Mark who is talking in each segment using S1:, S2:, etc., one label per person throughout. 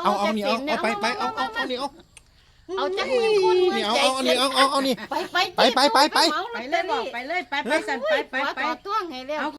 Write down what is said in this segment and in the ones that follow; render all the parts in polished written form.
S1: เอานี่เอาไปเอานี่
S2: เอาจักหมื่นคน
S1: นี่เอานี่เอานี่
S2: ไป
S1: ไป
S3: ไปเลยบอกไปเลยไปสั่นไป
S2: ต่อต้วงให้เร็ว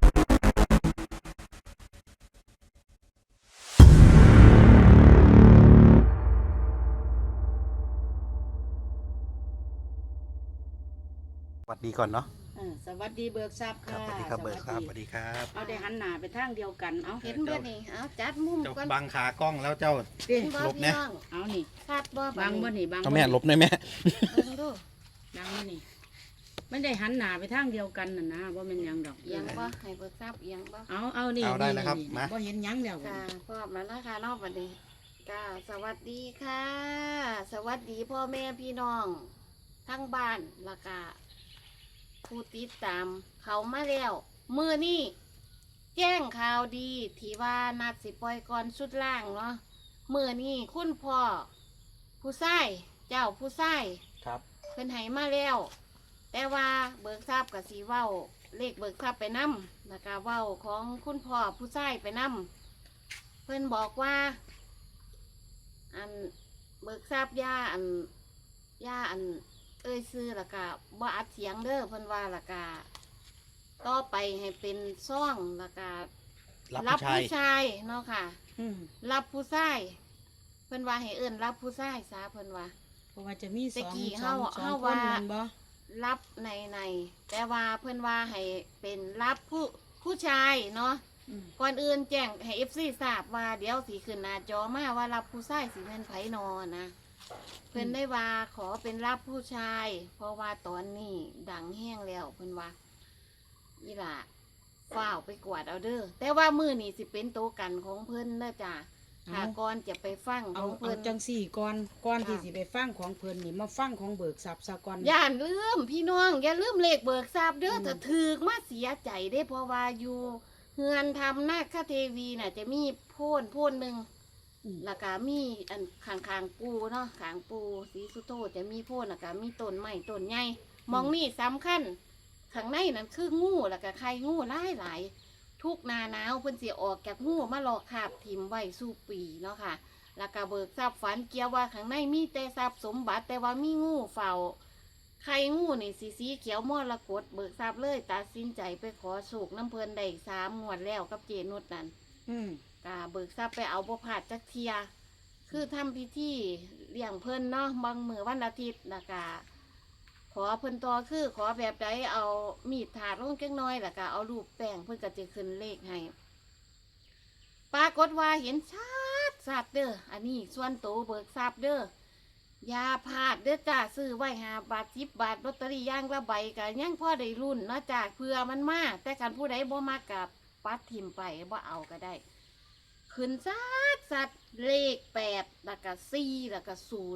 S1: สวัสดีก่อนเนาะ
S3: สวัสดีเบิกทรัพย์
S1: ครั
S3: ค่ะ
S1: บสวัสดีครับเบิร์ดครับสวัสดีครับ
S3: เอาได้หันหน้าไปทางเดียวกันเอา
S2: เห็นบ่นี่เอาจัดมุม
S1: เจ้า
S2: ก่อน
S1: บังขากล้องแล้วเจ้า
S3: เด้
S1: หลบแน่
S3: เอานี่
S2: คาดบ่
S3: บางบ่นี่บาง
S1: เอาแม่หลบหน่อยแม่
S2: เบิ่งดู
S3: บางบ่นี่ไม่ได้หันหน้าไปทางเดียวกันน่ะนะว่ามันหยังดอก
S2: เอียงบ่ให้เบิกทราบเอียงบ่
S3: เอานี่
S1: เอาได้แล้วครับมา
S3: บ่เห็นหยังแล้ว
S2: ค่ะพร้อมแล้วนะคะเนอกบัดนี้ค่ะสวัสดีค่ะ สวัสดีพ่อแม่พี่น้องทั้งบ้านแล้วก็ผู้ติดตามเขามาแล้วมื้อนี้แจ้งข่าวดีที่ว่านัดสิปล่อยก่อนชุดล่างเนาะมื้อนี้คุณพ่อผู้ชายเจ้าผู้ชาย
S1: ครับ
S2: เพิ่นให้มาแล้ว แต่ว่าเบิกทราบกับสีเว้าเลขเบิกทราบไปนำแล้วก็เว้าของคุณพ่อผู้ชายไปนำเพิ่นบอกว่า อันเบิกทราบย่าอันเอ้ยซื้อแล้วก็บ่อัดเสียงเด้อเพิ่นว่าแล้วก็ต่อไปให้เป็นซ่องแล้วก็
S1: รับผู้ชาย
S2: ผู้ชายเนาะค่ะ
S3: อืม
S2: รับผู้ชายเพิ่นว่าให้เอิ้นรับผู้ชายซะเพิ่นว่า
S3: เพราะว่าจะมีส
S2: ตะ
S3: อง
S2: กี้
S3: สอง
S2: เฮา
S3: คน
S2: ว่า
S3: แม่นบ่
S2: รับในแต่ว่าเพื่อนว่าให้เป็นรับผู้ชายเนาะ
S3: อืม
S2: ก่อนอื่นแจ้งให้ FC ทราบว่าเดี๋ยวสีขึ้นหน้าจอมาว่ารับผู้ชายสีเงินไผนอนะเพื่อนได้ว่าขอเป็นรับผู้ชาย เพราะว่าตอนนี้ดังแห้งแล้วเพื่อนว่าอีหล่ะฝ้าวไปกวาดเอาเด้อแต่ว่ามือนี่สิเป็นโตวกันของเพื่อนเด้อจ้ะถ้าก่อนจะไปฟังข
S3: เอา
S2: องเพื่อน
S3: จังสี่ก่อนที่สิไปฟังของเพิ่นนี่มาฟังของเบิกทรัพย์ซะก่อน
S2: อย่าลืมพี่น้องอย่าลืมเลขเบิกทราบเด้อถ้าถือมาเสียใจได้เพราะว่าอยู่เฮือนทำนาคเทวีน่ะจะมีโพ่นหนึ่ง
S3: อืม
S2: แล้วก็มีอันขางปูเนาะขางปูสีสุโธจะมีโพ่นแล้วก็มีต้นไม้ต้นใหญ่มองนี่สำคัญข้างในนั่นคืองูแล้วก็ไข่งูหลายทุกหนาหนาวเพิ่นสิออกจากงูมาหลอกคาบทิมไว้สู่ปีเนาะค่ะ แล้วก็เบิกทรัพย์ฝันเกี่ยวว่าข้างในมีแต่ทรัพย์สมบัติแต่ว่ามีงูเฝ้าไข่งูนี่สีเขียวมรกตเบิกทรัพย์เลยตัดสินใจไปขอโชคน้ำเพลินได้3 งวดแล้วกับเจนุชนั่น
S3: อืม
S2: กาเบิกทรัพย์ไปเอาบ่ผาดจักเทียคือทำพิธีเลี้ยงเพิ่นเนาะบางมือวันอาทิตย์แล้วก็ขอเพิ่นต่อคือขอแบบใดเอามีดถาดลงจักหน้อยแล้วก็เอารูปแป้งเพิ่นก็จะขึ้นเลขให้ปรากฏว่าเห็นชัดเด้ออันนี้ส่วนโตวเบิกทรัพย์เด้ออย่าพลาดเด้อจ้าซื้อไว้5 บาท10 บาทลอตเตอรี่ย่างละใบก็ยังพอได้รุ่นเนาะจ้าเพื่อมันมาแต่กันผู้ใดบ่มากับปัดทิมไปบ่เอาก็ได้ ขึ้นสัดเลข8แล้วก็4แล้วก็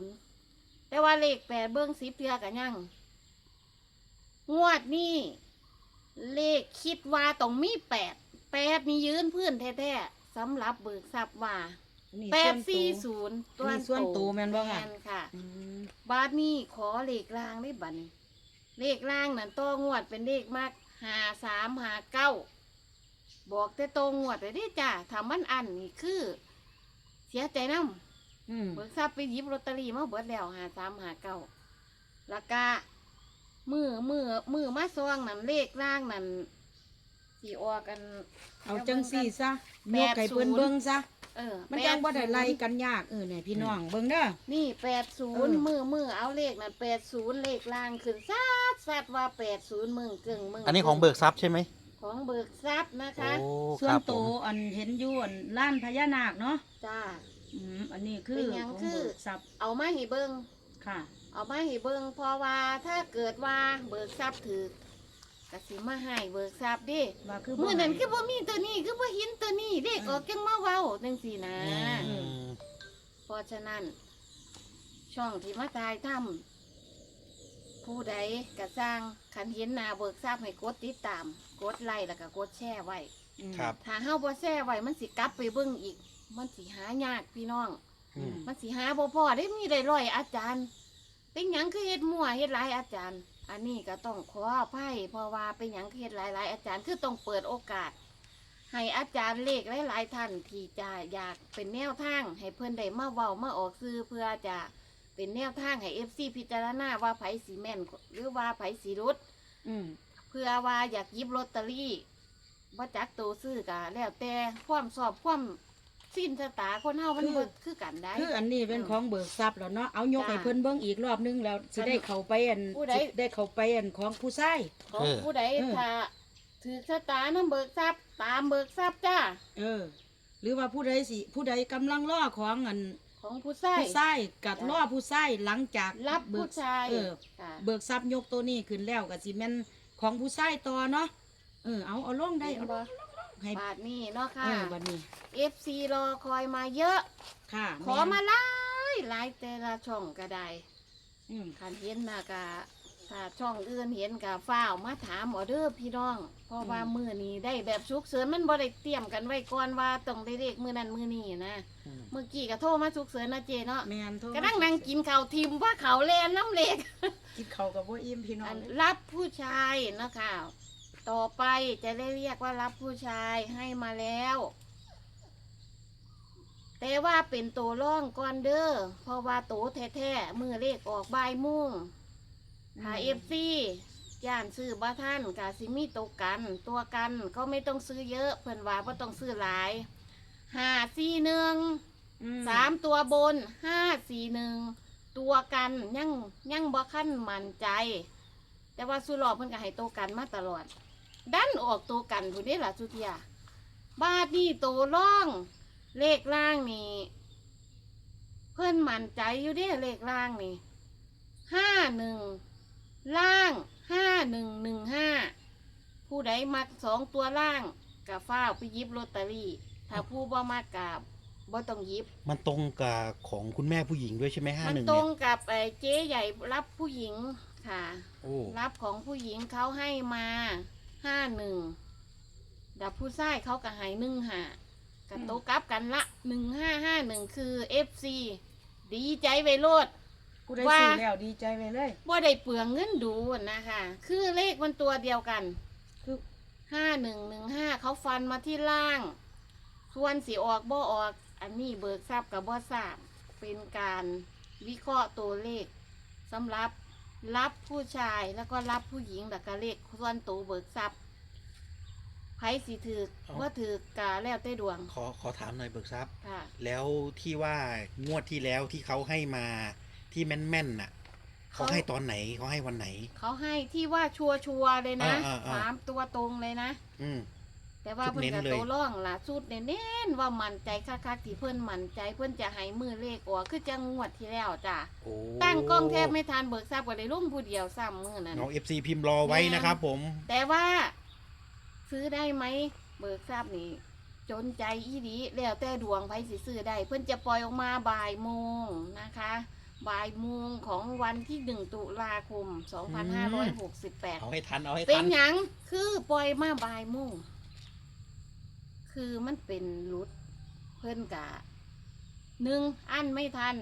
S2: 0แต่ว่าเลข8เบิ้ง10เทื่อกันยังงวดนี้เลขคิดว่าต้องมี8นี่ยืนพื้นแท้ๆสำหรับเบิกทรัพย์ว่า
S3: นี่
S2: 840
S3: นี่ส่วนตัวแม่นบ่ค่ะ
S2: แม่นค่ะ
S3: อืม
S2: บาทนี้ขอเลขล่างได้บัดนี้เลขล่างนั่นตัวงวดเป็นเลขมาก5359บอกแต่ตัวงวดเลยดิจ้าทำมันอันนี่คือ เสียใจน้ำ
S3: อืม
S2: เบิกทรัพย์ไปหยิบลอตเตอรี่มาเบิดแล้ว5359แล้วก็มือมาซองนั่นเลขล่างนั่นสีออกกัน
S3: เอาจังสี่ซะ
S2: แป
S3: ย
S2: ด
S3: กให้เพิ่น
S2: ศูนย์
S3: เบิ่งซะ มันจังบ่ได้
S2: 80
S3: ไล่กันยากเนี่ยพี่น้องเบิ่งเด้อ
S2: นี่
S3: เออ
S2: 80มือเอาเลขนั่น80เลขล่างขึ้นซัดว่า80มึงกึ่งมึง
S1: อันนี้ของเบิกทรัพย์ใช่ไหม
S2: ของเบิกทรัพย์นะคะ
S1: โอ้
S3: ส่ว
S1: คน รับผ
S3: โต
S1: ม
S3: อันเห็นอยู่อันล้านพญานาคเนาะ
S2: จ้า
S3: อันนี้คือ
S2: เป็นหยัง
S3: ของ
S2: คือ
S3: เบิกทรัพย์
S2: เอามาให้เบิ่ง
S3: ค่ะ
S2: เอามาให้เบิ่งเพราะว่าถ้าเกิดว่าเบิกทรัพย์ถือกก็สิมาให้เบิกทรัพย์เดิ
S3: ว่าคือ
S2: มื้อนั้นคือ
S3: บ่
S2: บ่มีตัวนี้คือบ่เห็นตัวนี้เด็กออกจังมาเว้าจังซี่นะ
S1: อืม
S2: เพราะฉะนั้น ช่องที่มาถ่ายทำผู้ใดก็สร้างคันเห็นหน้าเบิกทรัพย์ให้กดติดตาม กดไลค์แล้วก็กดแชร์ไว้
S3: อืม
S1: ครับ
S2: ถ้าเฮาบ่แชร์ไว้มันสิกลับไปเบิ่งอีก มันสิหายากพี่น้อง
S1: อืม
S2: มันสิหาบ่พอได้มีได้ร้อยอาจารย์ เป็นหยังคือเฮ็ดมั่วเฮ็ดหลายอาจารย์ อันนี้ก็ต้องขออภัยเพราะว่าเป็นหยังคือเฮ็ดหลายอาจารย์คือต้องเปิดโอกาสให้อาจารย์เลขหลายๆท่านที่จะอยากเป็นแนวทางให้เพื่อนได้มาเว้ามาออกซื้อเพื่อจะเป็นแนวทางให้ FC พิจารณาว่าไผสีแม่นหรือว่าไผสีรุด
S3: อืม
S2: เพื่อว่าอยากหยิบลอตเตอรี่ว่าจักตัวซื้อกะแล้วแต่ความสอบความสิ้นชะตาคนเฮามันบ่คือกันได้
S3: คืออันนี้เป็นของเบิกทรัพย์แล้วเนาะเอายก
S2: จ้ะ
S3: ให้เพิ่นเบิ่งอีกรอบนึงแล้วสิได้เข้าไปอัน
S2: ผู้ใด
S3: สิได้เข้าไปอันของผู้ชาย
S2: ของผู้ใด
S3: เออ
S2: ถ้าถือชะตาน้ำเบิกทรัพย์ตามเบิกทรัพย์จ้า
S3: หรือว่าผู้ใดกำลังรอของอัน
S2: ของผู้ชาย
S3: ผู้ชายกัดรอผู้ชายหลังจาก
S2: รับ
S3: เบิ
S2: ผู้
S3: ก
S2: ชาย ค่ะ
S3: เบิกทรัพย์ยกตัวนี้ขึ้นแล้วก็สิแม่นของผู้ชายต่อเนาะเอาลงได้เอา
S2: บ่
S3: ให้
S2: บาทนี้เนาะค่ะ
S3: บัดนี้
S2: FC รอคอยมาเยอะ
S3: ค่ะ
S2: ขอมาหลายแต่ละช่องก็ได้
S3: อืม
S2: คันเห็นน่ะกะถ้าช่องอื่นเห็นกะฟ้าวมาถามออเดอร์พี่น้อง เพราะว่ามื้อนี้ได้แบบฉุกเฉินมันบ่ได้เตรียมกันไว้ก่อนว่าต้องได้เลขมื้อนั้นมื้อนี้นะ
S1: อืม
S2: เมื่อกี้ก็โทรมาฉุกเฉินนะเจเนาะ
S3: แม่นโทร
S2: ก็นั่งนั่งกินข้าวทิมว่าเขาวแลนน้ำเล็ก
S3: กินข้าวกับบ่อิ่มพี่น้อ
S2: อั
S3: ง
S2: นรับผู้ชายนะคะต่อไปจะได้เรียกว่ารับผู้ชายให้มาแล้ว แต่ว่าเป็นตัวร่องก่อนเด้อเพราะว่าโตแท้ๆมือเลขออกบ่ายโมุ่งหาFC ย่านซื้อบ้าท่านกาซิมีตัวกันตัวกันก็ไม่ต้องซื้อเยอะเพิ่นว่าบ่ต้องซื้อหลาย541 3ตัวบน541ตัวกันยังบ่ขั้นมั่นใจ แต่ว่าสุรอบเพิ่นก็ให้ตัวกันมาตลอด ดันออกตัวกันผู้นี้ล่ะสุเทียบาดนี่ตัวร่องเลขล่างนี่เพิ่นมั่นใจอยู่เด้เลขล่างนี่51ล่าง5115ผู้ใดมัก2ตัวล่างก็ฟ้าวไปหยิบลอตเตอรี่ถ้าผู้บ่มักก็บ่ต้องหยิบ
S1: มันตรงกับของคุณแม่ผู้หญิงด้วยใช่ไหม51
S2: มันตร
S1: เนี่
S2: ง
S1: ย
S2: กับเจ๊ใหญ่รับผู้หญิงค่ะ
S1: โอ้
S2: รับของผู้หญิงเขาให้มา51ดับผู้ชายเขาก็ให้15กันโตกลับกันละ1551คือ FC ดีใจไว้โลด
S3: ผู้ใด
S2: ว่า
S3: ซื้อแล้วดีใจไปเลย
S2: บ่ได้เปลืองเงินดูนะคะคือเลขมันตัวเดียวกัน
S3: คือ
S2: 5115เขาฟันมาที่ล่าง ส่วนสีออกบ่ออก อันนี้เบิกทราบกับบ่ทราบเป็นการวิเคราะห์ตัวเลขสำหรับรับผู้ชายแล้วก็รับผู้หญิงแต่ก็เลขส่วนตัวเบิกทรัพย์ไผสิถือว่าถือกาแล้วแต่ดวง
S1: ขอถามหน่อยเบิกทรัพย์
S2: ค่ะ
S1: แล้วที่ว่างวดที่แล้วที่เขาให้มาที่แม่นๆน่ะเขาให้ตอนไหนเขาให้วันไหน
S2: เขาให้ที่ว่าชัวร์ๆเลยนะ
S1: อ่า
S2: 3 ตัวตรงเลยนะ
S1: อืม
S2: แต่ว่า
S1: ชุด
S2: เพิ่น
S1: เน้น
S2: กับ
S1: เลย
S2: ตัวร่องล่ะสุดเน้นๆว่ามั่นใจคักๆที่เพิ่นมั่นใจเพิ่นจะให้มือเลขออกคือจังงวดที่แล้วจ้ะ
S1: โอ้
S2: ตั้งกล้องแทบไม่ทันเบิกทราบก็ได้ลุ่มผู้เดียวซ้ำมือนั้น
S1: น้อง FC พิมพ์รอไว้นะครับผม
S2: แต่ว่าซื้อได้ไหมเบิกทราบนี่จนใจอีดีแล้วแต่ดวงไผสิซื้อได้ เพิ่นจะปล่อยออกมาบ่ายโมงนะคะบ่ายโมงของวันที่1 ตุลาคม 2568
S1: เอาให้ทันเอาให้
S2: เป็
S1: ทั
S2: น
S1: น
S2: หยังคือปล่อยมาบ่ายโมงคือมันเป็นรุดเพิ่นกะ1อันไม่ทัน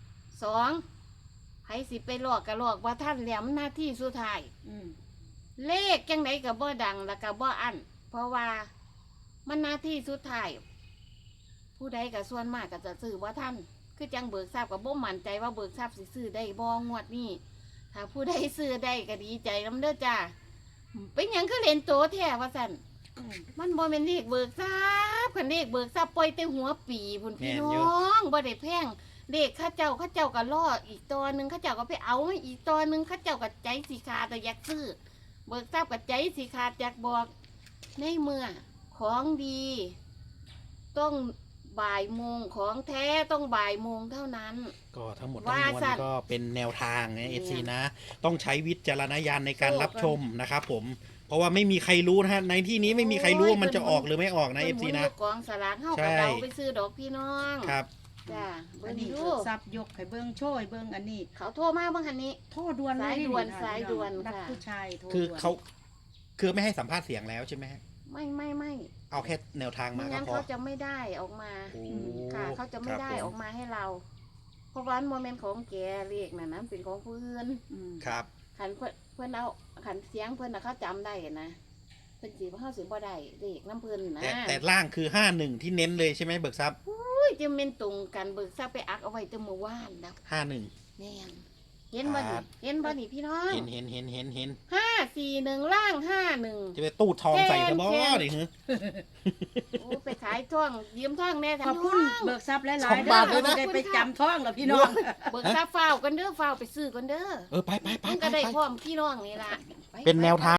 S2: 2ไผสิไปหลอกกะหลอกว่าท่านแล้วมันหน้าที่สุดท้าย
S3: อืม
S2: เลขจังไดกับบ่ดังแล้วกับบ่อันเพราะว่ามันหน้าที่สุดท้ายผู้ใดกับส่วนมากก็จะซื้อว่าท่านคือจังเบิกทราบกับบ่มั่นใจว่าเบิกทราบสิซื้อได้บ่งวดนี้ถ้าผู้ใดซื้อได้ก็ดีใจนำเด้อจ้าเป็นหยังคือเล่นโตแท้ว่าซั่น
S3: อืม
S2: มันบ่แม่นเลขเบิกทราบคันเลขเบิกทราบปล่อยแต่หัวปีพุ่นพี่น้องบ่ได้แพงเลขข้าเจ้าก็รออีกตัวหนึงข้าเจ้าก็ไปเอามาอีกตัวหนึงข้าเจ้าก็ใจสิขาดแต่อยากซื้อ เบิกทราบกับใจสิขาดจากบอกในเมื่อของดี ต้องบ่ายโมงของแท้ต้องบ่ายโมงเท่านั้น
S1: ก็ทั้งหมดทั้ง
S2: ว่าม
S1: วล
S2: สัตว์
S1: ก็เป็นแนวทางนะ
S2: เนี่ย
S1: FC นะ ต้องใช้วิจารณญาณในการ
S2: โอ้
S1: รับชมนะครับผม เพราะว่าไม่มีใครรู้นะฮะ ในที่นี้ไม่มีใครรู้ว่ามันจะออกหรือไม่ออกนะ
S2: เพิ่
S1: FC
S2: หมุ
S1: นะ
S2: อยู่กองสลากเฮา
S1: ใช่
S2: กับเราไปซื้อดอกพี่น้อง
S1: ครับ
S2: จ้าเบิ่
S3: อัน
S2: ง
S3: นี้
S2: ดู
S3: เบิกทรัพย์ยกให้เบิ่งโช่วยเบิ่งอันนี้
S2: เขาโทรมาบางคันนี้
S3: โทษด่วนเลย
S2: สายด่วน
S3: ค่ะ
S2: สายด่วน
S3: รับ
S2: ค่ะ
S3: ผู้ชายโทร
S1: คือ
S3: ด่วน
S1: เขาคือไม่ให้สัมภาษณ์เสียงแล้วใช่ไหมฮะ
S2: ไม่
S1: เอาแค่แนวทาง
S2: ไม่
S1: มาก็
S2: งั้น
S1: พอ
S2: เขาจะไม่ได้ออกมา
S1: โอ้
S2: ค่ะเขาจะไม่ได้
S1: ครับ
S2: อ
S1: ผ
S2: อกมาให้เรา เพราะว่าโมเมนต์ของแกเรียกน่ะนะเป็นของผู้อื่น
S3: อืม
S1: ครับ
S2: ขันเพื่อนเอาขันเสียงเพื่อนน่ะเขาจำได้นะพิ่นสิบ่เฮาสิบ่ได้เลขน้ำเพิ่นนะ
S1: แต่ล่างคือ51ที่เน้นเลยใช่ไหมเบิกทรัพย์
S2: อุ้ยจะแม่นตรงกันเบิกทราบไปอักเอาไว้แต่เมื่อวานแล้ว
S1: 51
S2: แม่นเห็นบ่
S1: ครั
S2: นี่
S1: บ
S2: เห็นบ่นี่พี่น้อง
S1: เห็น
S2: 541ล่าง51
S1: จะไปตู้ทองใส่กระบอก
S2: แทน
S1: ดิฮึ
S2: โอ้ไปขายท่องยืมท่องแน่
S3: ขอบคุณเบิกทรัพย์หลายๆ
S1: สองบาทเลยนะ
S3: ได้ไปจำท้องแล้วพี่น้อง
S2: เบิกทราบฟ้าวกันเด้อฟ้าวไปซื้อกันเด้อ
S1: ไป
S2: มันก็ได้พร้อมพี่น้องนี่ล่ะ
S1: เป็นแนวทาง